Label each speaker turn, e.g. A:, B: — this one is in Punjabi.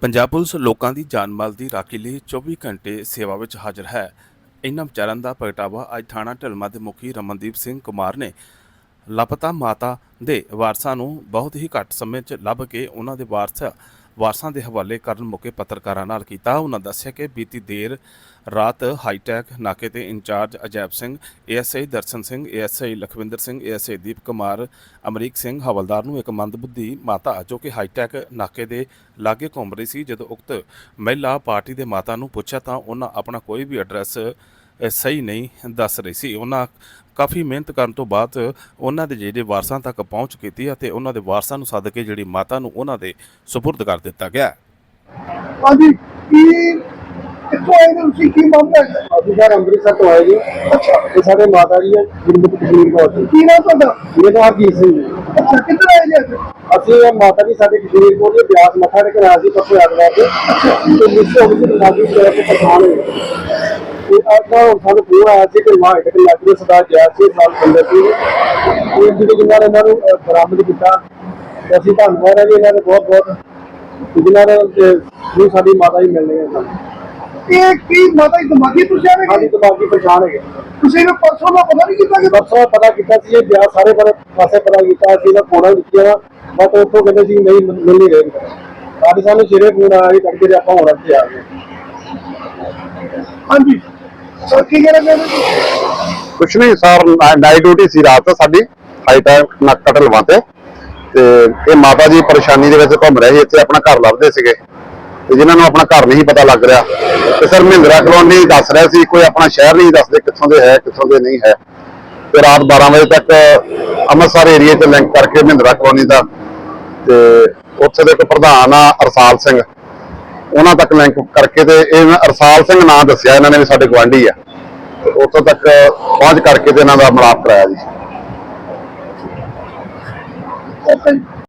A: ਪੰਜਾਬ ਪੁਲਿਸ ਲੋਕਾਂ ਦੀ ਜਾਨ ਮਾਲ ਦੀ ਰਾਖੀ ਲਈ 24 ਘੰਟੇ ਸੇਵਾ ਵਿੱਚ ਹਾਜ਼ਰ ਹੈ। ਇਨ੍ਹਾਂ ਵਿਚਾਰਾਂ ਦਾ ਪ੍ਰਗਟਾਵਾ ਅੱਜ ਥਾਣਾ ਢਲਮਾ ਦੇ ਮੁਖੀ ਰਮਨਦੀਪ ਸਿੰਘ ਕੁਮਾਰ ਨੇ ਲਾਪਤਾ ਮਾਤਾ ਦੇ ਵਾਰਸਾਂ ਨੂੰ ਬਹੁਤ ਹੀ ਘੱਟ ਸਮੇਂ 'ਚ ਲੱਭ ਕੇ ਉਹਨਾਂ ਦੇ ਵਾਰਸਾਂ ਦੇ ਹਵਾਲੇ ਕਰਨ ਮੌਕੇ ਪੱਤਰਕਾਰਾਂ ਨਾਲ ਕੀਤਾ। ਉਹਨਾਂ ਦੱਸਿਆ ਕਿ ਬੀਤੀ ਦੇਰ ਰਾਤ ਹਾਈਟੈਕ ਨਾਕੇ ਤੇ in charge Ajaib Singh, ASI Darshan Singh, ASI Lakhwinder Singh, ASI Deep Kumar, Amrik Singh ਹਵਲਦਾਰ ਨੂੰ ਇੱਕ ਮੰਦਬੁੱਧੀ ਮਾਤਾ ਜੋ ਕਿ ਹਾਈਟੈਕ ਨਾਕੇ ਦੇ ਲਾਗੇ ਘੁੰਮ ਰਹੀ ਸੀ, ਜਦੋਂ ਉਕਤ ਮਹਿਲਾ ਪਾਰਟੀ ਦੇ ਮਾਤਾ ਨੂੰ ਪੁੱਛਿਆ ਤਾਂ ਉਹਨਾਂ ਆਪਣਾ ਕੋਈ ਵੀ ਐਡਰੈਸ ਸਹੀ ਨਹੀਂ ਦੱਸ ਰਹੀ ਸੀ। ਉਹਨਾਂ ਕਾਫੀ ਮਿਹਨਤ ਕਰਨ ਤੋਂ ਬਾਅਦ ਉਹਨਾਂ ਦੇ ਜਿਹੜੇ ਵਾਰਸਾਂ ਤੱਕ ਪਹੁੰਚ ਕੀਤੀ ਅਤੇ ਉਹਨਾਂ ਦੇ ਵਾਰਸਾਂ ਨੂੰ ਸੱਦ ਕੇ ਜਿਹੜੀ ਮਾਤਾ ਨੂੰ ਉਹਨਾਂ ਦੇ ਸੁਪੁਰਦ ਕਰ ਦਿੱਤਾ ਗਿਆ।
B: ਹਾਂਜੀ, ਕਿੱਥੋਂ ਆਏ ਨੇ ਤੁਸੀਂ? ਕੀ ਮਾਮਲਾ ਹੈ?
C: ਅਸੀਂ ਸਰ ਅੰਮ੍ਰਿਤਸਰ ਤੋਂ ਆਏ ਜੀ।
B: ਅੱਛਾ,
C: ਇਹ ਸਾਡੇ ਮਾਤਾ ਜੀ ਹੈ ਗੁਰਮੁਖ ਕਸ਼ਮੀਰ ਕੌਰ ਜੀ।
B: ਕੀ ਨਾਮ ਤੁਹਾਡਾ?
C: ਮੇਰਾ ਨਾਮ ਹਰਜੀਤ ਸਿੰਘ ਜੀ।
B: ਅੱਛਾ, ਕਿੱਧਰ ਆਏ ਜੀ ਅੱਜ?
C: ਅਸੀਂ ਇਹ ਮਾਤਾ ਜੀ ਸਾਡੇ ਕਸ਼ਮੀਰ ਕੋਲ ਦੇ ਬਿਆਸ ਮੱਥਾ ਟੇਕਣ ਆਏ ਸੀ ਪਰਸੋਂ ਐਤਵਾਰ ਤੇ ਮਿਸ ਹੋ ਗਈ ਲਾਗੀ ਸ਼ਹਿਰ ਤੋਂ ਪਛਾਣ ਹੋਈ ਤੇ ਅੱਜ ਸਾਨੂੰ ਫੋਨ ਆਇਆ ਸੀ ਕਿ ਵਾਹ ਇੱਕ ਲੱਗੀ ਸਰਦਾਰ ਜੈ ਸਿੰਘ ਸਾਲ ਬੰਦੇ ਸੀ ਇਹ ਜਿਹੜੇ ਜਿਨ੍ਹਾਂ ਨੇ ਇਹਨਾਂ ਨੂੰ ਬਰਾਮਦ ਕੀਤਾ ਤੇ ਅਸੀਂ ਧੰਨਵਾਦ ਹੈ ਜੀ ਇਹਨਾਂ ਦੇ ਬਹੁਤ ਬਹੁਤ ਜਿਨ੍ਹਾਂ ਨੇ ਸਾਡੀ ਮਾਤਾ ਜੀ ਮਿਲਣੇ ਹੈ ਸਾਨੂੰ।
B: ਇਹ ਕੀ ਮਾਤਾ ਜੀ ਦਿਮਾਗੀ ਪੁੱਛਿਆ ਨੇ?
C: ਸਾਡੀ ਦਿਮਾਗੀ ਪਛਾਣ ਹੈਗੇ।
B: ਤੁਸੀਂ ਨੇ ਪਰਸੋਂ ਦਾ ਪਤਾ ਨਹੀਂ ਕੀਤਾ ਕਿ
C: ਪਰਸੋਂ ਪਤਾ ਕੀਤਾ ਸੀ ਇਹ ਬਿਆਸ ਸਾਰੇ ਪਾਸੇ ਪਤਾ ਕੀਤਾ ਸੀ ਇਹਦਾ ਫੋਟੋ ਦਿੱਤੀਆਂ ਬਟ ਉੱਥੋਂ ਕਹਿੰਦੇ ਸੀ ਨਹੀਂ ਮਿਲ ਨਹੀਂ ਰਹੇ। ਅੱਜ ਸਾਨੂੰ ਸਿਰੇ ਫੋਨ ਆਇਆ ਸੀ ਤੜਕੇ ਤੇ ਆਪਾਂ ਹੁਣ ਇੱਥੇ ਆ ਗਏ।
B: ਹਾਂਜੀ ਸਰ, ਕੀ ਕਹਿਣਾ ਚਾਹੁੰਦੇ ਜੀ?
D: ਕੁਛ ਨਹੀਂ ਸਰ, ਨਾਈਟ ਡਿਊਟੀ ਸੀ ਰਾਤ ਸਾਡੀ ਹਾਈਟੈਕ ਨਾਕਾ ਢਲਵਾਂ ਤੇ ਇਹ ਮਾਤਾ ਜੀ ਪਰੇਸ਼ਾਨੀ ਦੇ ਵਿੱਚ ਘੁੰਮ ਰਹੇ ਸੀ, ਇੱਥੇ ਆਪਣਾ ਘਰ ਲੱਭਦੇ ਸੀਗੇ ਤੇ ਜਿਨ੍ਹਾਂ ਨੂੰ ਆਪਣਾ ਘਰ ਨਹੀਂ ਪਤਾ ਲੱਗ ਰਿਹਾ ਤੇ ਸਰ ਮਹਿੰਦਰਾ ਕਲੋਨੀ ਦੱਸ ਰਿਹਾ ਸੀ, ਕੋਈ ਆਪਣਾ ਸ਼ਹਿਰ ਨਹੀਂ ਦੱਸਦੇ ਕਿੱਥੋਂ ਦੇ ਹੈ ਕਿੱਥੋਂ ਦੇ ਨਹੀਂ ਹੈ। ਤੇ ਰਾਤ 12 ਵਜੇ ਤੱਕ ਅੰਮ੍ਰਿਤਸਰ ਏਰੀਏ 'ਚ ਲਿੰਕ ਕਰਕੇ ਮਹਿੰਦਰਾ ਕਲੋਨੀ ਦਾ ਤੇ ਉੱਥੇ ਦੇ ਇੱਕ ਪ੍ਰਧਾਨ ਆ ਅਰਸਾਲ ਸਿੰਘ, ਉਹਨਾਂ ਤੱਕ ਲਿੰਕ ਕਰਕੇ ਤੇ ਇਹ ਅਰਸਾਲ ਸਿੰਘ ਨਾਂ ਦੱਸਿਆ ਇਹਨਾਂ ਨੇ ਵੀ ਸਾਡੇ ਗੁਆਂਢੀ ਆ ਤੇ ਉੱਥੋਂ ਤੱਕ ਪਹੁੰਚ ਕਰਕੇ ਤੇ ਇਹਨਾਂ ਦਾ ਮਿਲਾਪ ਕਰਾਇਆ ਜੀ।
B: ਓਕੇ।